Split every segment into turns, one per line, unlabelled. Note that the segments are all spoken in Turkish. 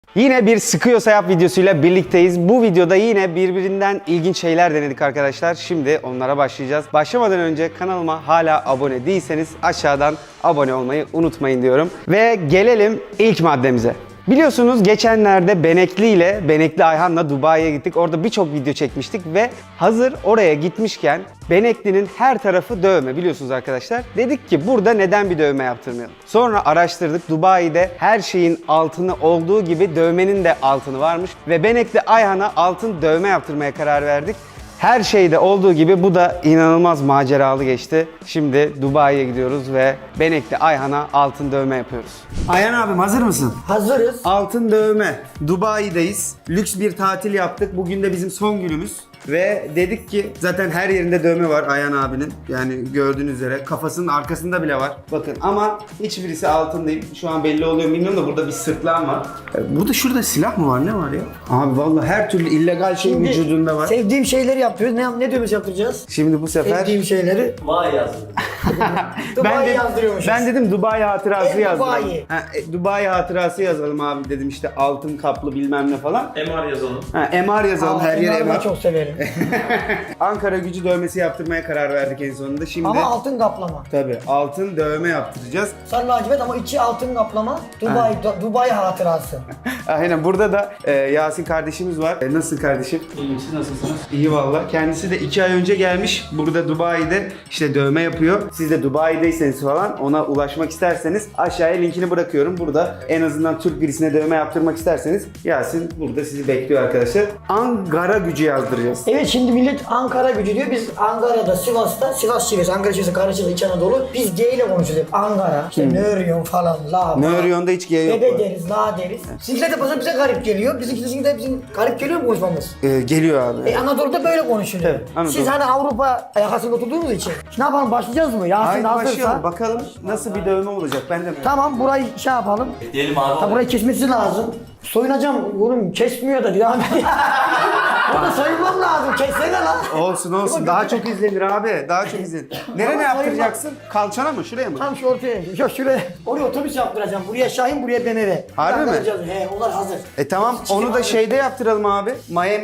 Yine bir sıkıyorsa yap videosuyla birlikteyiz. Bu videoda yine birbirinden ilginç şeyler denedik arkadaşlar. Şimdi onlara başlayacağız. Başlamadan önce kanalıma hala abone değilseniz aşağıdan abone olmayı unutmayın diyorum. Ve gelelim ilk maddemize. Biliyorsunuz geçenlerde Benekli Ayhan'la Dubai'ye gittik. Orada birçok video çekmiştik ve hazır oraya gitmişken Benekli'nin her tarafı dövme biliyorsunuz arkadaşlar. Dedik ki burada neden bir dövme yaptırmayalım? Sonra araştırdık. Dubai'de her şeyin altını olduğu gibi dövmenin de altını varmış ve Benekli Ayhan'a altın dövme yaptırmaya karar verdik. Her şeyde olduğu gibi bu da inanılmaz maceralı geçti. Şimdi Dubai'ye gidiyoruz ve Benekli Ayhan'a altın dövme yapıyoruz. Ayhan abim hazır mısın?
Hazırız.
Altın dövme. Dubai'deyiz. Lüks bir tatil yaptık. Bugün de bizim son günümüz. Ve dedik ki zaten her yerinde dövme var Ayhan abinin. Yani gördüğünüz üzere kafasının arkasında bile var. Bakın ama hiçbirisi altın değil. Şu an belli oluyor mu bilmiyorum da burada bir sırtlan var. Burada şurada silah mı var? Ne var ya? Abi vallahi her türlü illegal şey vücudunda var.
Sevdiğim şeyleri yapıyoruz. Ne dövmesi yaptıracağız?
Şimdi bu sefer
Sevdiğim şeyleri.
Vay yazdım.
Dubai yazdırıyormuşuz.
Ben dedim Dubai hatırası yazdıralım.
Dubai.
Dubai hatırası yazalım abi dedim işte altın kaplı bilmem ne falan.
MR yazalım.
MR yazalım her yere
Altınları da
MR.
çok severim.
Ankara gücü dövmesi yaptırmaya karar verdik en sonunda. Şimdi
Ama altın kaplama.
tabii altın dövme yaptıracağız.
Sarı lacivert ama içi altın kaplama. Dubai hatırası.
Aynen burada da Yasin kardeşimiz var. Nasıl kardeşim?
İyiyim, siz nasılsınız?
İyi valla. Kendisi de 2 ay önce gelmiş. Burada Dubai'de işte dövme yapıyor. Siz de Dubai'deyseniz falan ona ulaşmak isterseniz aşağıya linkini bırakıyorum. Burada en azından Türk birisine dövme yaptırmak isterseniz Yasin burada sizi bekliyor arkadaşlar. Ankara gücü yazdıracağız.
Evet şimdi millet Ankara gücü diyor. Biz Ankara'da, Sivas'ta, Sivas şivesi, Ankara şivesi karışık İç Anadolu. Biz G ile konuşuyoruz hep. Ankara, işte ne örüyorsun falan, la.
Ne örüyorsun da hiç G yok.
Bebe deriz, la deriz. Sizinkiler de bazen bize garip geliyor. Bizimkiler de bizim garip geliyor mu konuşmamız?
Geliyor abi.
Anadolu'da böyle konuşuluyor.
Evet, Anadolu.
Siz hani Avrupa yakasında oturduğunuz için. Ne yapalım başlayacağız mı? Yasin
Haydi
hazırsa.
başlayalım. Bakalım nasıl bir dövme olacak. Ben de
Tamam burayı şey yapalım.
Diyelim abi.
Ha burayı kesmesi lazım. Soyunacağım oğlum kesmiyor da devam ediyor. Burada soyunmam lazım. Kessene lan.
Olsun. Daha çok izlenir abi. Daha çok izlenir. Nereye
Ama
yaptıracaksın? Kalçana mı? Şuraya mı?
Tam şu ortaya. Yok şuraya. Oraya otobüs yaptıracağım. Buraya Şahin, buraya BMW.
Harbi mi?
He onlar hazır.
Tamam. Onu da şeyde yaptıralım abi.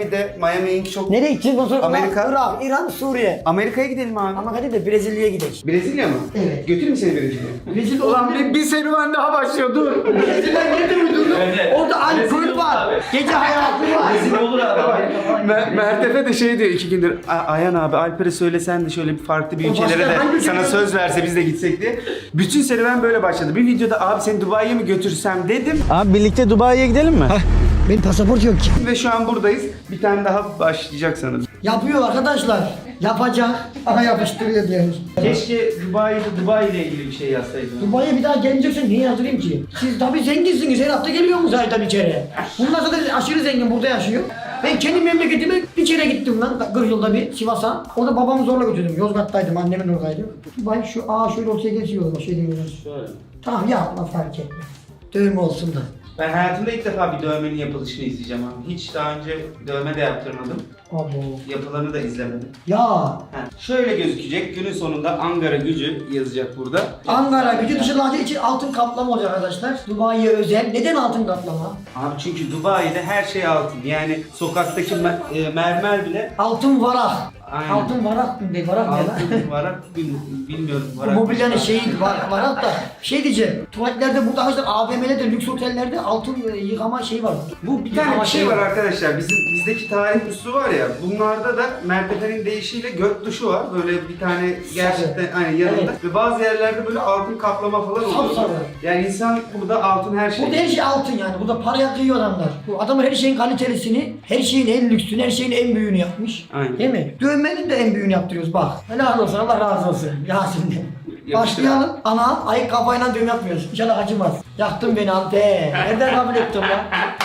Miami Ink çok...
Nereye gideceğiz? Ondan sonra
Amerika.
Irak, İran, Suriye.
Amerika'ya gidelim abi.
Ama hadi de Brezilya'ya gidelim.
Brezilya mı?
Evet.
Götürür mü seni Brezilya'ya?
Brezilya olan
bir serüven daha başlıyor. Dur.
Brezilya nerede mi durdun?
Evet.
Orada alkol var. Gece hayatı var.
Rezil olur abi.
Mertefe de şey diyor 2 gündür. Ayhan abi Alper'e söylesen de şöyle bir farklı bir ülkelere
başka
de
hangi
sana
ülke?
söz verse biz de gitsek diye. Bütün serüven böyle başladı. Bir videoda abi seni Dubai'ye mi götürsem dedim.
Abi birlikte Dubai'ye gidelim mi?
Benim pasaport yok ki.
Ve şu an buradayız. Bir tane daha başlayacak sanırım.
Yapıyor arkadaşlar. Yapacak. Aha yapıştırıyor diyoruz.
Keşke Dubai ile ilgili bir şey yazsaydın.
Dubai'ye bir daha geleceksen niye yazdırayım ki? Siz tabii zenginsiniz. Her hafta geliyor musunuz aydan içeri? Bunlar zaten aşırı zengin burada yaşıyor. Ben kendi memleketime bir kere gittim lan 40 yılda bir Sivas'a. Orada babamı zorla götürdüm. Yozgat'taydım, annemin oradaydı. Dubai şöyle ortaya geçiyor o şey demiyorum.
Şöyle.
Tamam yapma fark etme. Dövme olsun da.
Ben hayatımda ilk defa bir dövmenin yapılışını izleyeceğim abi. Hiç daha önce dövme de yaptırmadım.
Abo.
Yapılanı da izlemedim.
Ya
Şöyle gözükecek. Günün sonunda Ankara gücü yazacak burada.
Ankara gücü dışı lacivert için altın kaplama olacak arkadaşlar. Dubai'ye özel. Neden altın kaplama?
Abi çünkü Dubai'de her şey altın. Yani sokaktaki mermer bile
Altın varak.
Aynen.
Altın varak mı değil, varak ne lan?
altın varak bilmiyorum.
Bu
Varak.
mobilyanın şeyi varak da şey diyeceğim. Tuvaletlerde burada arkadaşlar AVM'lerde lüks otellerde altın yıkama şeyi var.
Bu bir tane
Yıkama
bir şey
şeyi
var arkadaşlar. Bizdeki tarih musluğu var ya. Bunlarda da Mertefe'nin deyişiyle gök duşu var. Böyle bir tane gerçekten aynı yanında.
Evet.
Ve bazı yerlerde böyle altın kaplama falan oluyor.
Sapsarı.
Yani insan burada altın her şey.
Burada her şey altın yani. Burada paraya kıyıyor adamlar. Bu adamlar her şeyin kalitelisini, her şeyin en lüksünü, her şeyin en büyüğünü yapmış.
Aynen.
Değil mi? Dövmenin de en büyüğünü yaptırıyoruz bak. Helal olsun, Allah razı olsun. Yasin'de.
Yapıştır
Başlayalım. Ana ayık kafayla dövme yapmıyoruz. İnşallah acımaz. Yaktın beni Ante. Nereden kabul ettin lan?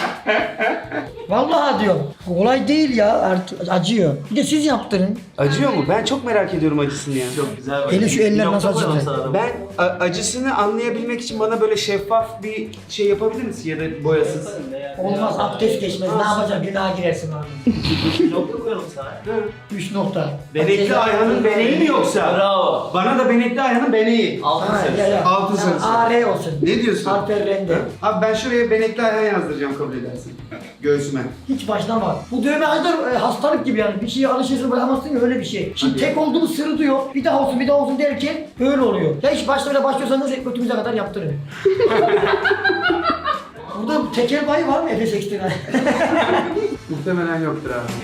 Vallahi diyorum. Kolay değil ya. Acıyor. Bir de siz yaptırın.
Acıyor mu? Ben çok merak ediyorum acısını ya.
Çok güzel bak.
Hele şu eller
Bir
nasıl
nokta koyalım
acıdı?
sana da.
Ben acısını anlayabilmek için bana böyle şeffaf bir şey yapabilir misin ya da boyasız?
Olmaz abdest geçmez. Ne yapacaksın? Günaha girersin abi.
Nokta koyalım sana.
3 nokta.
Benekli Ayhan'ın beneği mi yoksa?
Bravo.
Bana da Benekli Ayhan'ın beneği.
Altın
Ha,
sarısı.
ya, ya.
Altın sarısı.
AR olsun.
Ne diyorsun?
Alper Rende.
Abi ben şuraya Benekli Ayhan yazdıracağım kabul edersin. Göğsüme.
Hiç başlama. Bu dövme kadar hastalık gibi yani. Bir şeye alışırsın bırakamazsın ya öyle bir şey. Şimdi tek olduğum sırıtıyor. Bir daha olsun bir daha olsun derken böyle oluyor. Ya hiç başta başlıyorsanız hep götümüze kadar yaptırın. Burada tekel bayı var mı Efes Ekstra?
Muhtemelen yoktur abi.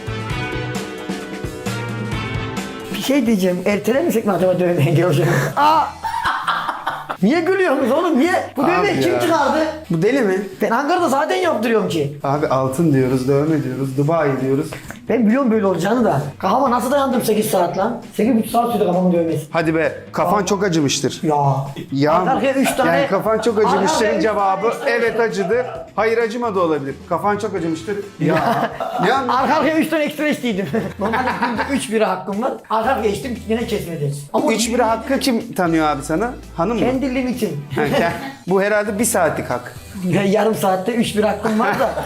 Bir şey diyeceğim. Ertelemesek mi acaba dövmeye geleceğim? Aa! Niye gülüyorsunuz oğlum? Niye? Bu
Abi
dövmeyi kim
ya.
çıkardı?
Bu deli mi?
Ben Ankara'da zaten yaptırıyorum ki.
Abi altın diyoruz, dövme diyoruz, Dubai diyoruz.
Ben biliyorum böyle olacağını da. Kafama nasıl dayandım 8 saat lan? 8,5 saat sürdü kafamın dövmesi.
Hadi be, kafan çok acımıştır.
Ya.
Ya
Arkaya 3 tane.
yani kafan çok acımıştırın
Arkaya
cevabı
üç tane-
evet acıdı. Hayır acımadı olabilir. Kafan çok acımıştır. Ya. Ne anladın?
Arka arkaya 3 tane ekstra içtiydim. Normalde günde 3 bira hakkım var. Arka arkaya içtim yine kesmedi. Ama
3 bira hakkı kim tanıyor abi sana? Hanım mı?
kendi limitim.
Ha, bu herhalde 1 saatlik hak.
Yarım saatte 3 bira hakkım var da.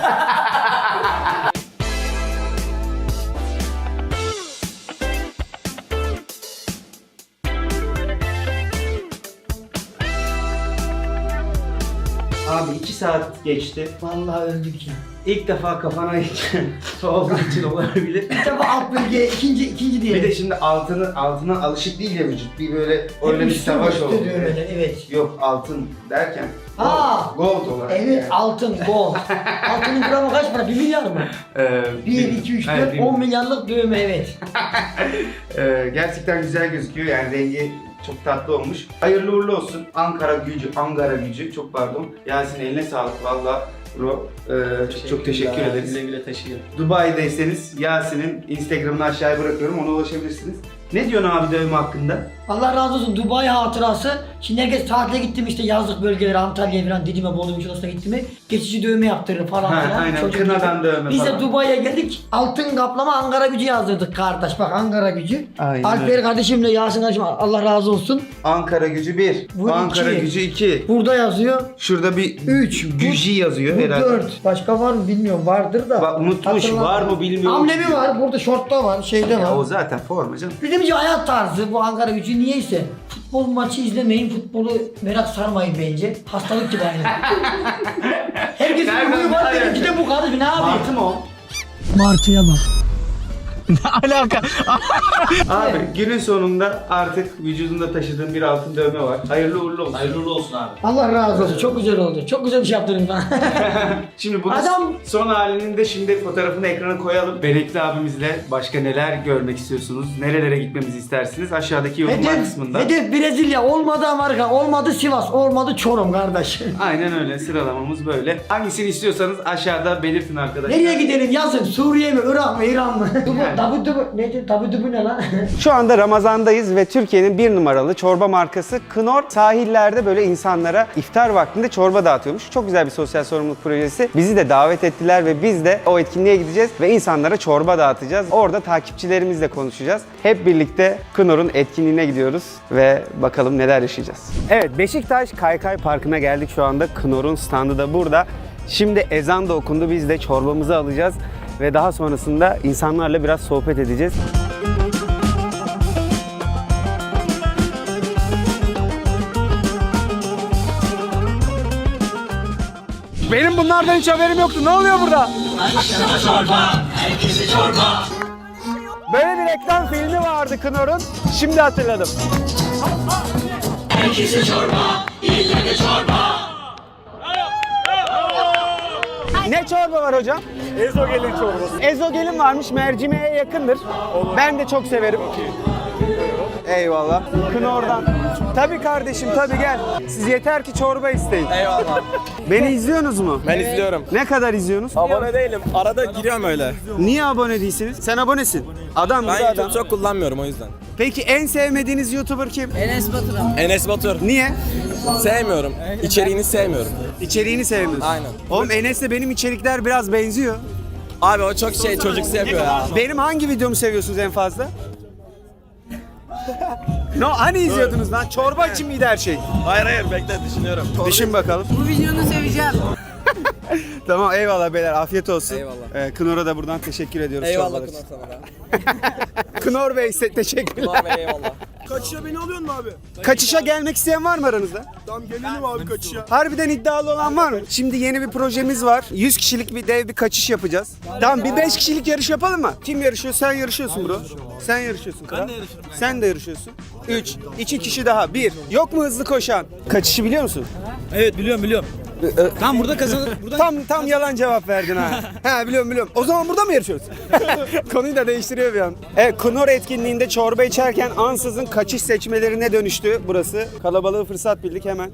Abi 2 saat geçti.
Vallahi öldük ya.
İlk defa kafana olduğu için olabilir.
Bir defa alt bölge ikinci diye.
Bir de şimdi altına alışık değil ya vücut. Bir böyle öyle bir savaş oldu.
Evet.
Yok altın derken
Aa!
gold olarak.
Evet
yani.
altın, gold. Altının gramı kaç para? 1 milyar mı? 1, 2, 3, 4, 10 milyarlık dövme evet.
Gerçekten güzel gözüküyor yani rengi çok tatlı olmuş. Hayırlı uğurlu olsun. Ankara gücü çok pardon. Yasin eline sağlık valla. Bro çok teşekkür ederiz.
Güle güle taşıyın.
Dubai'deyseniz Yasin'in Instagram'ını aşağıya bırakıyorum ona ulaşabilirsiniz. Ne diyorsun abi dövme hakkında?
Allah razı olsun Dubai hatırası. Şimdi herkes tatile gittim işte yazlık bölgelere Antalya'ya falan Didim'e Bolu Muş'una gittim mi geçici dövme yaptırır falan
Ha,
filan.
aynen,
Çocuk
kınadan
gibi.
dövme
Biz
falan.
de Dubai'ye geldik altın kaplama Ankara gücü yazdırdık kardeş bak Ankara gücü.
Aynen
Alper
öyle.
kardeşimle Yasin kardeşim Allah razı olsun.
Ankara gücü 1,
Bu
Ankara
iki.
gücü 2.
Burada yazıyor.
Şurada bir
3.
gücü yazıyor
Bu
herhalde.
4. Başka var mı bilmiyorum vardır da.
Bak, unutmuş,
Hatırlamıyorum.
var mı bilmiyorum.
Amblemi var burada şortta var şeyde
Ya o
var.
zaten forma canım.
Bizim için hayat tarzı bu Ankara gücü niyeyse. Futbol maçı izlemeyin, futbolu merak sarmayın bence. Hastalık gibi aynı. Herkesin
Nereden
huyu var,
nereden?
benimki de bu kardeş, ne yapayım?
Martı mı o?
Martıya bak.
Alaka.
Abi günün sonunda artık vücudunda taşıdığın bir altın dövme var. Hayırlı uğurlu olsun.
Hayırlı uğurlu olsun abi.
Allah razı olsun, çok güzel oldu. Çok güzel bir şey yaptın bana.
Şimdi bunun
Adam-
son halinin de şimdi fotoğrafını ekrana koyalım. Benekli abimizle başka neler görmek istiyorsunuz? Nerelere gitmemizi istersiniz? Aşağıdaki yorumlar kısmında.
Hedef Brezilya, olmadı Amerika, olmadı Sivas, olmadı Çorum kardeş.
Aynen öyle sıralamamız böyle. Hangisini istiyorsanız aşağıda belirtin arkadaşlar.
Nereye gidelim yazın? Suriye mi, Irak mı, İran mı? Tabu ne lan?
Şu anda Ramazan'dayız ve Türkiye'nin bir numaralı çorba markası Knorr sahillerde böyle insanlara iftar vaktinde çorba dağıtıyormuş. Çok güzel bir sosyal sorumluluk projesi. Bizi de davet ettiler ve biz de o etkinliğe gideceğiz ve insanlara çorba dağıtacağız. Orada takipçilerimizle konuşacağız. Hep birlikte Knorr'un etkinliğine gidiyoruz ve bakalım neler yaşayacağız. Evet, Beşiktaş Kaykay Parkı'na geldik şu anda. Knorr'un standı da burada. Şimdi ezan da okundu. Biz de çorbamızı alacağız ve daha sonrasında insanlarla biraz sohbet edeceğiz. Benim bunlardan hiç haberim yoktu. Ne oluyor burada? Böyle bir reklam filmi vardı Knorr'un. Şimdi hatırladım. Ne çorba var hocam?
Ezogelin çorbası.
Ezogelin varmış, mercimeğe yakındır. Ben de çok severim. Eyvallah. Knorr'dan. Tabii kardeşim, tabii gel. Siz yeter ki çorba isteyin.
Eyvallah.
Beni izliyorsunuz mu?
Ben izliyorum.
Ne kadar izliyorsunuz?
Abone değilim. Arada giriyorum öyle.
Niye abone değilsiniz? Sen abonesin. Adam
Ben
gibi adam.
YouTube çok kullanmıyorum o yüzden.
Peki en sevmediğiniz YouTuber kim?
Enes Batur.
Niye?
Sevmiyorum. İçeriğini sevmiyorum.
İçeriğini sevmiyorsun.
Aynen.
Oğlum Enes'le benim içerikler biraz benziyor.
Abi o çok çocuksu yapıyor ya.
Benim hangi videomu seviyorsunuz en fazla? No, hani izliyordunuz lan? Çorba için miydi her şey?
Hayır bekle düşünüyorum.
Düşün bakalım.
Bu videonu seveceğim.
Tamam eyvallah beyler, afiyet olsun.
Eyvallah.
Knorr'a da buradan teşekkür ediyoruz.
Eyvallah
çorbalar
Kınar
için.
sana da.
Knor Bey size teşekkürler.
Kınar Bey eyvallah.
Kaçışa beni alıyorsun mu abi?
Kaçışa gelmek isteyen var mı aranızda?
Tamam gelelim abi kaçışa.
Harbiden iddialı olan var mı? Şimdi yeni bir projemiz var. 100 kişilik bir dev bir kaçış yapacağız. Tamam bir 5 kişilik yarış yapalım mı? Kim yarışıyor? Sen yarışıyorsun bro. Sen yarışıyorsun. Ben de yarışırım. Sen de yarışıyorsun. 3, 2 kişi daha. 1. Yok mu hızlı koşan? Kaçışı biliyor musun?
Evet biliyorum. Tam burada kazanır.
Tam yalan cevap verdin ha. Ha biliyorum. O zaman burada mı yarışıyoruz? Konuyu da değiştiriyor bir an. Evet, Knor etkinliğinde çorba içerken ansızın kaçış seçmelerine dönüştü burası. Kalabalığı fırsat bildik hemen.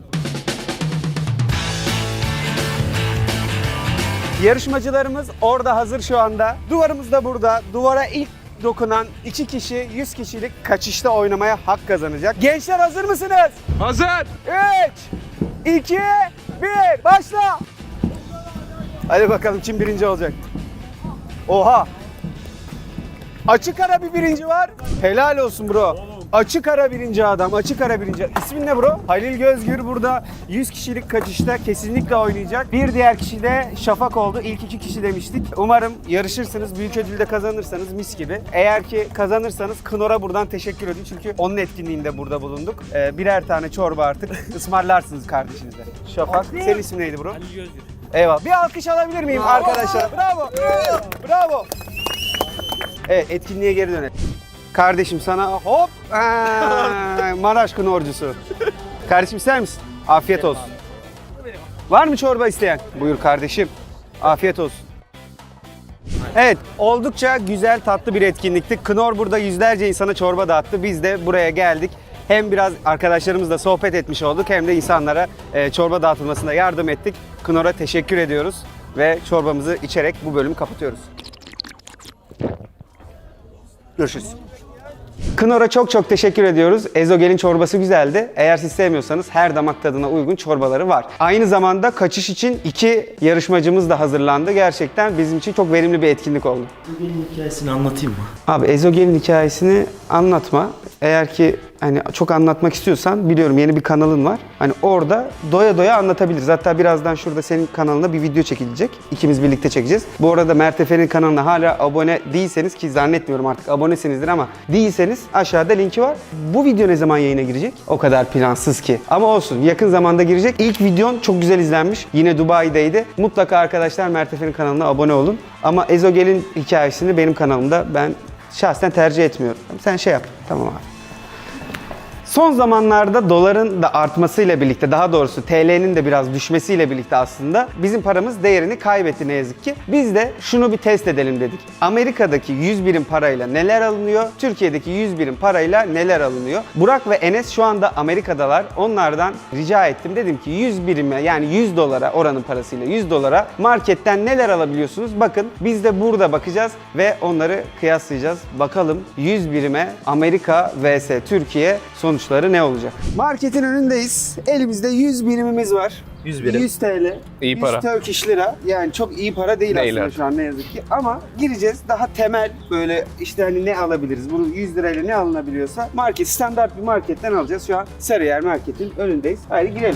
Yarışmacılarımız orada hazır şu anda. Duvarımız da burada. Duvara ilk dokunan 2 kişi 100 kişilik kaçışta oynamaya hak kazanacak. Gençler hazır mısınız?
Hazır.
3, 2, 1, başla! Hadi bakalım kim birinci olacak? Oha! Açık ara bir birinci var. Helal olsun bro. Açık ara birinci adam, açık ara birinci. İsmin ne bro? Halil Gözgür burada 100 kişilik kaçışta kesinlikle oynayacak. Bir diğer kişi de Şafak oldu. İlk 2 kişi demiştik. Umarım yarışırsınız, büyük ödülde kazanırsanız mis gibi. Eğer ki kazanırsanız Knor'a buradan teşekkür edin. Çünkü onun etkinliğinde burada bulunduk. Birer tane çorba artık ısmarlarsınız kardeşinize. Şafak, senin ismin neydi bro?
Ali Gözgür.
Eyvallah. Bir alkış alabilir miyim arkadaşlar? Bravo. Bravo. Evet, etkinliğe geri dönelim. Kardeşim sana hop Maraş Knorcusu. Kardeşim ister misin? Afiyet olsun. Var mı çorba isteyen? Buyur kardeşim. Afiyet olsun. Evet, oldukça güzel tatlı bir etkinlikti. Knor burada yüzlerce insana çorba dağıttı. Biz de buraya geldik. Hem biraz arkadaşlarımızla sohbet etmiş olduk hem de insanlara çorba dağıtılmasında yardım ettik. Knor'a teşekkür ediyoruz ve çorbamızı içerek bu bölümü kapatıyoruz. Görüşürüz. Knor'a çok teşekkür ediyoruz. Ezogel'in çorbası güzeldi. Eğer siz sevmiyorsanız her damak tadına uygun çorbaları var. Aynı zamanda kaçış için 2 yarışmacımız da hazırlandı. Gerçekten bizim için çok verimli bir etkinlik oldu.
Benim hikayesini anlatayım mı?
Abi Ezogel'in hikayesini anlatma. Eğer ki hani çok anlatmak istiyorsan biliyorum yeni bir kanalın var. Hani orada doya doya anlatabiliriz. Hatta birazdan şurada senin kanalına bir video çekilecek. İkimiz birlikte çekeceğiz. Bu arada Mert Efe'nin kanalına hala abone değilseniz ki zannetmiyorum artık abonesinizdir ama değilseniz aşağıda linki var. Bu video ne zaman yayına girecek? O kadar plansız ki. Ama olsun yakın zamanda girecek. İlk videon çok güzel izlenmiş. Yine Dubai'deydi. Mutlaka arkadaşlar Mert Efe'nin kanalına abone olun. Ama Ezogel'in hikayesini benim kanalımda ben şahsen tercih etmiyorum. Sen şey yap. Tamam abi. Son zamanlarda doların da artmasıyla birlikte, daha doğrusu TL'nin de biraz düşmesiyle birlikte aslında bizim paramız değerini kaybetti ne yazık ki. Biz de şunu bir test edelim dedik. Amerika'daki 100 birim parayla neler alınıyor? Türkiye'deki 100 birim parayla neler alınıyor? Burak ve Enes şu anda Amerika'dalar. Onlardan rica ettim. Dedim ki 100 birime yani 100 dolara oranın parasıyla 100 dolara marketten neler alabiliyorsunuz? Bakın biz de burada bakacağız ve onları kıyaslayacağız. Bakalım 100 birime Amerika vs Türkiye sonuçları ne olacak? Marketin önündeyiz. Elimizde 100 birimimiz var.
100 birim.
100 TL.
İyi
100
para.
Turkish lira. Yani çok iyi para değil
Değil
aslında
artık.
şu an ne yazık ki. Ama gireceğiz daha temel böyle işte hani ne alabiliriz? Bunu 100 lirayla ne alınabiliyorsa market, standart bir marketten alacağız. Şu an Sarıyer Market'in önündeyiz. Haydi girelim.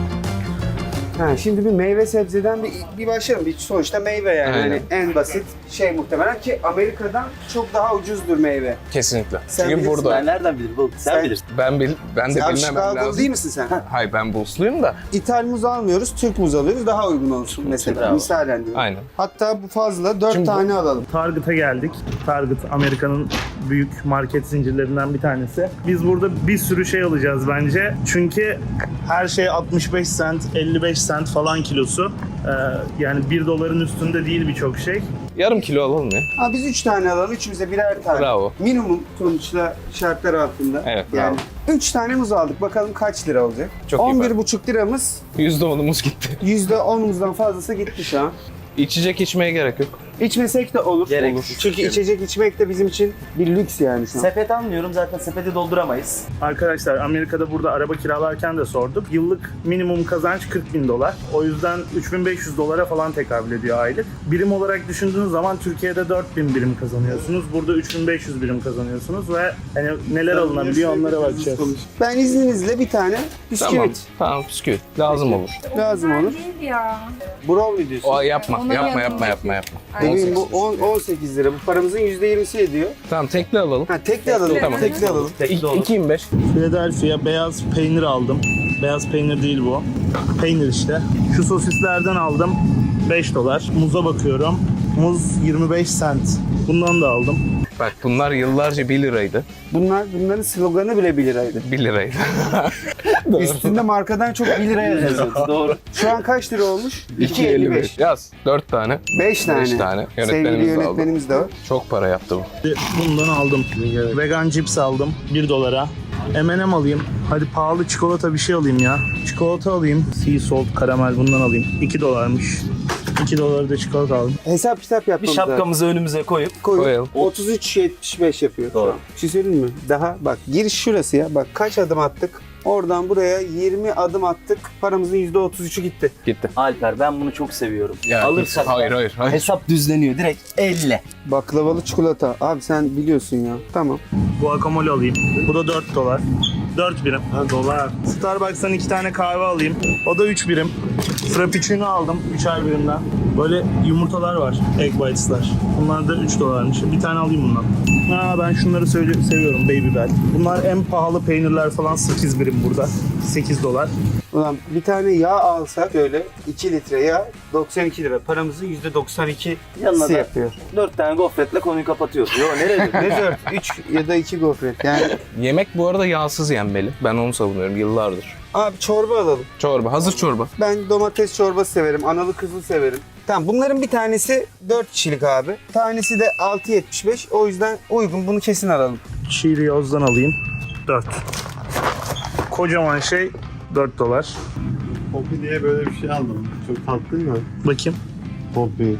Ha, şimdi bir meyve sebzeden bir başlayalım. Bir sonuçta meyve yani.
Aynen.
Hani en basit şey muhtemelen ki Amerika'dan çok daha ucuzdur meyve.
Kesinlikle.
Sen
Çünkü
bilirsin,
burada
Ben nereden bilirim oğlum? Sen
Sen-
bilirsin.
ben de
Sen
bilmemem
Chicago'lu
lazım.
değil misin sen?
Hayır ben Bullsluyum da.
İthal muz almıyoruz, Türk muz alıyoruz. Daha uygun olsun mesela.
Bravo.
Misalen diyorum.
Aynen.
Hatta bu fazla 4
Şimdi bu-
tane alalım.
Target'a geldik. Target Amerika'nın büyük market zincirlerinden bir tanesi. Biz burada bir sürü şey alacağız bence. Çünkü her şey 65 cent, 55 cent falan kilosu. Yani 1 doların üstünde değil birçok şey.
Yarım kilo alalım ya.
Ha, biz 3 tane alalım, üçümüze birer tane.
Bravo.
Minimum sonuçta şartlar altında.
Evet,
Yani 3 tane muz aldık. Bakalım kaç lira olacak?
Çok iyi
11,5 liramız.
%10'umuz gitti.
%10'umuzdan fazlası gitti şu an.
İçecek içmeye gerek yok.
İçmesek de olur.
Gereksiz.
Çünkü içecek içmek de bizim için bir lüks yani şu an.
Sepet almıyorum zaten sepeti dolduramayız.
Arkadaşlar Amerika'da burada araba kiralarken de sorduk. Yıllık minimum kazanç $40.000. O yüzden $3.500 falan tekabül ediyor aylık. Birim olarak düşündüğünüz zaman Türkiye'de 4.000 birim kazanıyorsunuz. Burada 3.500 birim kazanıyorsunuz ve hani neler alınabiliyor onlara bakacağız.
Ben izninizle bir tane bisküvit
Tamam. Tamam bisküvit. Lazım olur.
lazım olur.
Değil ya.
Brownie diyorsun.
O yapma.
Onları
Yapma
yanına
yapma.
Bebeğim bu 18 lira. Bu paramızın %20'si ediyor.
Tamam tekli alalım.
Ha tekli alalım.
Tamam.
Tekli alalım.
Tekli olur.
2.25.
Philadelphia beyaz peynir aldım. Beyaz peynir değil bu. Peynir işte. Şu sosislerden aldım. $5. Muza bakıyorum. Muz 25 cent. Bundan da aldım.
Bak bunlar yıllarca 1 liraydı.
Bunların sloganı bile 1 liraydı.
1 liraydı.
Üstünde markadan çok 1 liraya yazıyor.
Doğru.
Şu an kaç lira olmuş?
2.55. Yaz. 4 tane.
5 tane.
5 tane.
Sevgili
Yönetmenimiz de aldı.
yönetmenimiz de var.
Çok para yaptı bu.
Bundan aldım. Vegan cips aldım. $1. M&M alayım. Hadi pahalı çikolata bir şey alayım ya. Çikolata alayım. Sea salt karamel bundan alayım. $2'mış. $2 da çikolata aldım.
Hesap kitap
Bir
yapmamız lazım.
şapkamızı önümüze koyup
Koyalım.
33.75 yapıyor.
Doğru.
Bir şey söyleyeyim mi? Daha bak giriş şurası ya. Bak kaç adım attık? Oradan buraya 20 adım attık. Paramızın %33'ü gitti.
Gitti.
Alper ben bunu çok seviyorum.
Ya,
Alırsak
hayır.
hesap düzleniyor direkt 50.
Baklavalı çikolata. Abi sen biliyorsun ya. Tamam.
Guacamole alayım. Bu da $4. 4 birim. Dolar. Starbucks'tan 2 tane kahve alayım. O da 3 birim. Frappuccino aldım 3'er birimden. Böyle yumurtalar var. Egg bites'lar. Bunlar da $3'mış. Bir tane alayım bundan. Ben şunları seviyorum. Baby Bell. Bunlar en pahalı peynirler falan 8 birim burada. $8.
Ulan bir tane yağ alsak öyle 2 litre yağ 92 lira. Paramızın %92'si
Yanına da
yapıyor.
4 tane gofretle konuyu kapatıyorsun. Yo nereye?
Ne 4? 3 ya da 2 gofret. Yani
Yemek bu arada yağsız yenmeli. Ben onu savunuyorum yıllardır.
abi çorba alalım.
Çorba. Hazır çorba.
Ben domates çorbası severim. Analı kızlı severim. Tamam bunların bir tanesi 4 kişilik abi. Tanesi de 6.75. O yüzden uygun. Bunu kesin alalım.
Cheerios'dan alayım. 4. Kocaman şey $4.
Poppy diye böyle bir şey aldım. Çok tatlı mı?
Bakayım.
Poppy.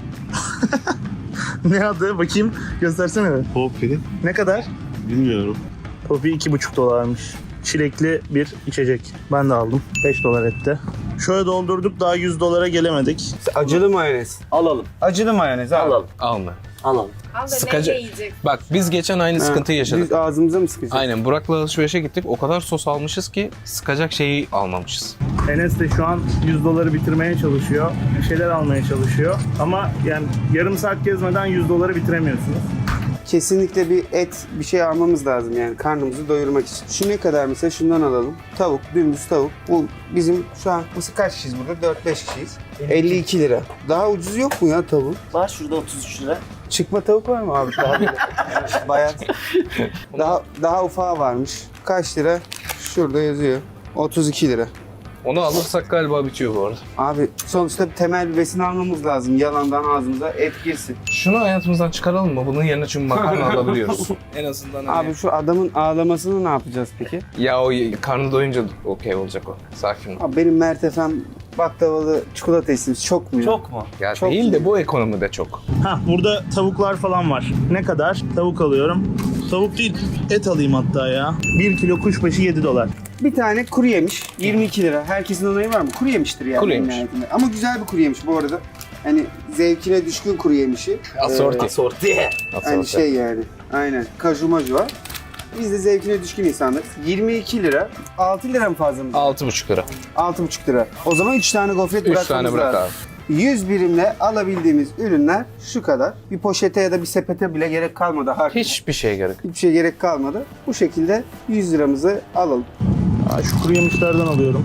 Ne adı? Bakayım. Göstersene bir.
Poppy.
Ne kadar?
Bilmiyorum.
Poppy $2,5'mış. Çilekli bir içecek. Ben de aldım. $5 etti. Şöyle doldurduk daha $100'a gelemedik.
Acılı mayonez.
Alalım.
Acılı mayonez abi.
Alalım.
Alma.
Alalım.
Al da
Sıkacak.
neyle yiyecek?
Bak biz geçen aynı sıkıntıyı yaşadık.
Biz ağzımıza mı sıkacağız?
Aynen Burak'la alışverişe gittik. O kadar sos almışız ki sıkacak şeyi almamışız.
Enes de şu an $100 bitirmeye çalışıyor. Bir şeyler almaya çalışıyor. Ama yani yarım saat gezmeden $100 bitiremiyorsunuz.
Kesinlikle bir et, bir şey almamız lazım yani karnımızı doyurmak için. Şu ne kadar mesela şundan alalım. Tavuk, dümdüz tavuk. Bu bizim şu an mesela kaç kişiyiz burada? 4-5 kişiyiz. 52 lira. Daha ucuz yok mu ya tavuk?
Var şurada 33 lira.
Çıkma tavuk var mı abi? Daha böyle bayağı. Daha ufağı varmış. Kaç lira? Şurada yazıyor. 32 lira.
Onu alırsak galiba bitiyor bu arada.
Abi sonuçta temel bir besin almamız lazım. Yalandan ağzımıza et girsin.
Şunu hayatımızdan çıkaralım mı? Bunun yerine çünkü makarna alabiliyoruz. En azından hani...
Abi şu adamın ağlamasını ne yapacağız peki?
Ya o karnı doyunca okey olacak o. Sakin ol.
Abi benim mertefem baklavalı çikolata istimiz çok mu ya?
Çok mu?
Ya
çok
değil
iyi.
de bu ekonomide çok.
Burada tavuklar falan var. Ne kadar? Tavuk alıyorum. Tavuk değil, et alayım hatta ya. 1 kilo kuşbaşı $7.
Bir tane kuru yemiş 22 lira. Herkesin onayı var mı? Kuru yemiştir yani.
Kuru
en
yemiş.
nihayetinde. Ama güzel bir kuru yemiş bu arada. Hani zevkine düşkün kuru yemişi.
Asorti.
Sorti.
Hani şey yani. Aynen. Kaju maju var. Biz de zevkine düşkün insanlarız. 22 lira. 6 lira mı fazla mı?
6,5 lira.
6,5 lira. O zaman 3 tane gofret
3
bırakmamız
tane bırak
lazım.
abi.
100 birimle alabildiğimiz ürünler şu kadar. Bir poşete ya da bir sepete bile gerek kalmadı.
Hiçbir şeye gerek.
Hiçbir şey gerek kalmadı. Bu şekilde 100 liramızı alalım.
Şu kuru yemişlerden alıyorum.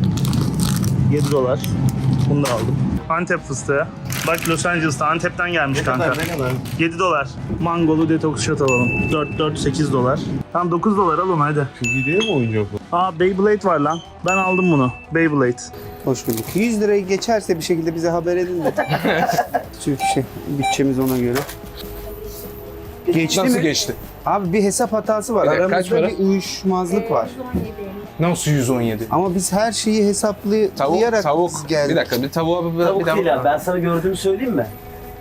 $7. Bunu da aldım. Antep fıstığı. Bak Los Angeles'ta Antep'ten gelmiş kanka. $7. Mangolu detoks shot alalım. 8 $. Tamam $9 al onu hadi.
Çok iyi değil mi oyuncak bu?
Beyblade var lan. Ben aldım bunu. Beyblade.
Hoş bulduk. 100 lirayı geçerse bir şekilde bize haber edin de. Çünkü bütçemiz ona göre. Geçti
Nasıl
mi?
geçti?
Abi bir hesap hatası var.
Bir dakika, kaç
Aramızda
para?
bir uyuşmazlık var.
117.
Nasıl 117?
Ama biz her şeyi hesaplayarak
Tavuk.
geldik.
Bir dakika bir tavuğa bir
Tavuk
daha
değil abi. Ben sana gördüğümü söyleyeyim mi?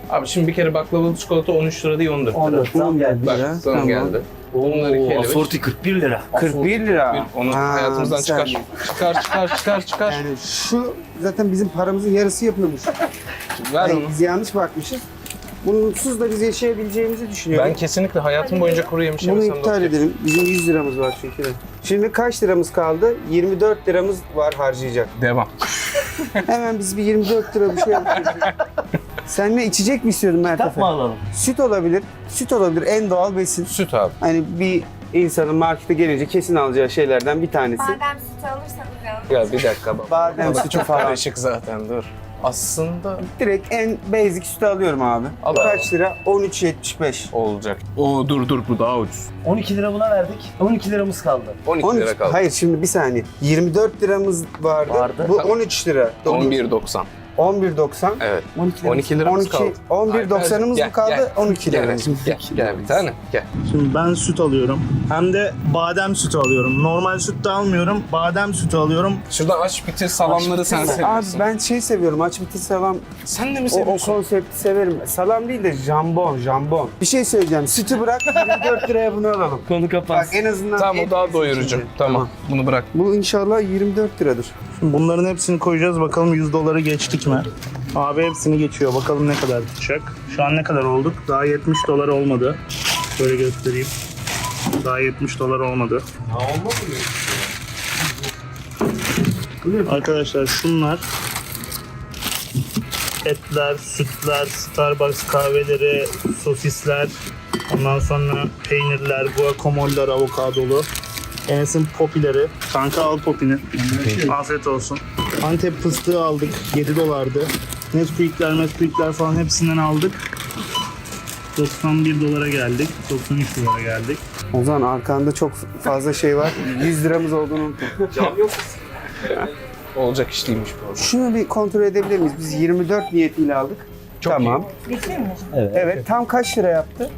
Abi şimdi bir kere baklavalı çikolata 13 lira değil 14 lira.
14 zam geldi.
Bak
ya.
zam
Tamam.
geldi. Bunlar 2 ele.
Asorti 41 lira.
41 lira.
Onu
Ha,
hayatımızdan
bir
çıkar.
saniye.
Çıkar.
Yani şu zaten bizim paramızın yarısı yapıyormuş.
Ver
Yani
onu.
biz yanlış bakmışız. Bunsuz da biz yaşayabileceğimizi düşünüyorum.
Ben kesinlikle hayatım boyunca kuru yemiş
Bunu
yemesem de
iptal
okey.
edelim. Bizim 100 liramız var çünkü. Şimdi kaç liramız kaldı? 24 liramız var harcayacak.
Devam.
Hemen biz bir 24 lira bir şey yapıyoruz. Sen ne içecek mi istiyordun Mert
Kitap
Efe?
mı alalım?
Süt olabilir. Süt olabilir. En doğal besin.
Süt abi.
Hani bir insanın markete gelince kesin alacağı şeylerden bir tanesi.
Badem sütü alırsanız yalnız.
Ya bir dakika baba.
Badem sütü
Çok
falan.
karışık zaten dur. Aslında
Direkt en basic sütü alıyorum abi.
Al
Kaç lira? 13.75.
olacak. Oo dur bu daha ucuz.
12 lira buna verdik. 12 liramız kaldı.
12
13
lira kaldı.
Hayır şimdi bir saniye. 24 liramız vardı.
Vardı.
Bu 13 lira.
11.90.
11.90.
Evet.
12
12 liramız kaldı.
11.90'ımız
Gel,
mı kaldı?
gel.
12
Gel,
liramız.
gel bir tane. Gel.
Şimdi ben süt alıyorum. Hem de badem sütü alıyorum. Normal süt de almıyorum. Badem sütü alıyorum.
Şuradan aç bitir salamları sen
Abi
seviyorsun.
ben şey seviyorum. Aç bitir salam.
Sen de mi
O
seviyorsun?
konsepti severim. Salam değil de jambon. Bir şey söyleyeceğim. Sütü bırak 24 liraya bunu alalım.
Konu
Bak
kapansın.
en azından
Tamam o
et
daha
yesin
doyurucu.
şimdi.
Tamam. Bunu bırak.
Bu inşallah 24 liradır.
Şimdi bunların hepsini koyacağız. Bakalım 100 doları geçtik mi? Abi hepsini geçiyor. Bakalım ne kadar tutacak. Şu an ne kadar olduk? Daha 70 dolar olmadı. Şöyle göstereyim. Daha 70 dolar olmadı. Arkadaşlar şunlar etler, sütler, Starbucks kahveleri, sosisler, ondan sonra peynirler, guacamole'lar avokadolu. Enes'in popileri. Kanka al popini. Afiyet olsun. Antep fıstığı aldık. 7 dolardı. Nesquik'ler falan hepsinden aldık. 91 dolara geldik. 93 dolara geldik.
O zaman arkanda çok fazla şey var. 100 liramız olduğunu unutma.
Olacak iş değilmiş bu.
Şunu bir kontrol edebilir miyiz? Biz 24 niyetiyle aldık. Tamam.
Geçiyor mu?
Evet. Tam kaç lira yaptı?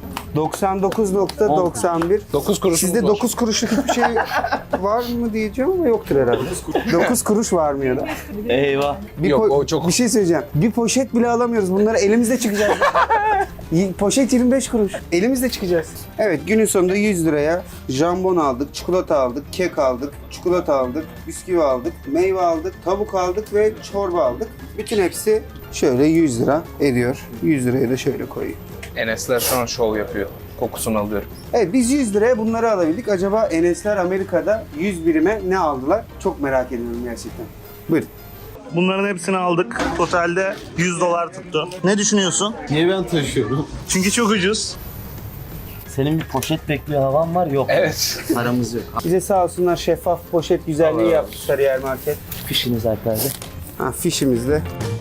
99.91.
9 kuruşumuz
Sizde
var.
9 kuruşluk hiçbir şey var mı diyeceğim ama yoktur herhalde. 9 kuruş var mı ya da?
Eyvah.
Yok, o çok-
Bir şey söyleyeceğim. Bir poşet bile alamıyoruz. Bunları elimizle çıkacağız. Poşet 25 kuruş. Elimizle çıkacağız. Evet günün sonunda 100 liraya jambon aldık, çikolata aldık, kek aldık, çikolata aldık, bisküvi aldık, meyve aldık, tavuk aldık ve çorba aldık. Bütün hepsi şöyle 100 lira ediyor. 100 liraya da şöyle koyayım.
Enesler şu an şov yapıyor. Kokusunu alıyorum.
Evet biz 100 liraya bunları alabildik. Acaba Enesler Amerika'da 100 birime ne aldılar? Çok merak ediyorum gerçekten. Buyurun.
Bunların hepsini aldık. Totalde 100 dolar tuttu. Ne düşünüyorsun?
Niye ben taşıyorum?
Çünkü çok ucuz.
Senin bir poşet bekliyor havan var yok.
Evet.
Paramız yok.
Bize sağ olsunlar şeffaf poşet güzelliği yaptı Sarıyer Market.
Fişiniz Alper'de.
Ha fişimizle.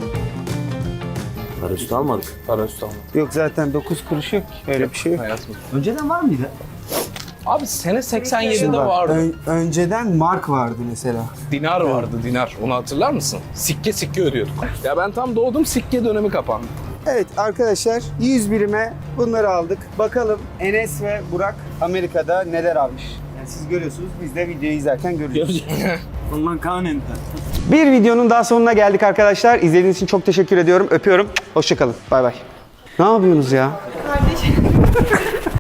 Para üstü almadık.
Para üstü almadım.
Yok zaten 9 kuruş yok. Öyle bir şey yok.
Hayatım.
Önceden var mıydı?
Abi sene 87'de
Şimdi bak,
vardı.
önceden mark vardı mesela.
Dinar vardı dinar. Onu hatırlar mısın? Sikke ödüyorduk. Ya ben tam doğdum sikke dönemi kapandı.
Evet arkadaşlar 100 birime bunları aldık. Bakalım Enes ve Burak Amerika'da neler almış. Yani siz görüyorsunuz biz de videoyu izlerken görüyoruz.
Ondan kanen.
Bir videonun daha sonuna geldik arkadaşlar. İzlediğiniz için çok teşekkür ediyorum. Öpüyorum. Hoşçakalın. Bay bay. Ne yapıyorsunuz ya?
Kardeşim.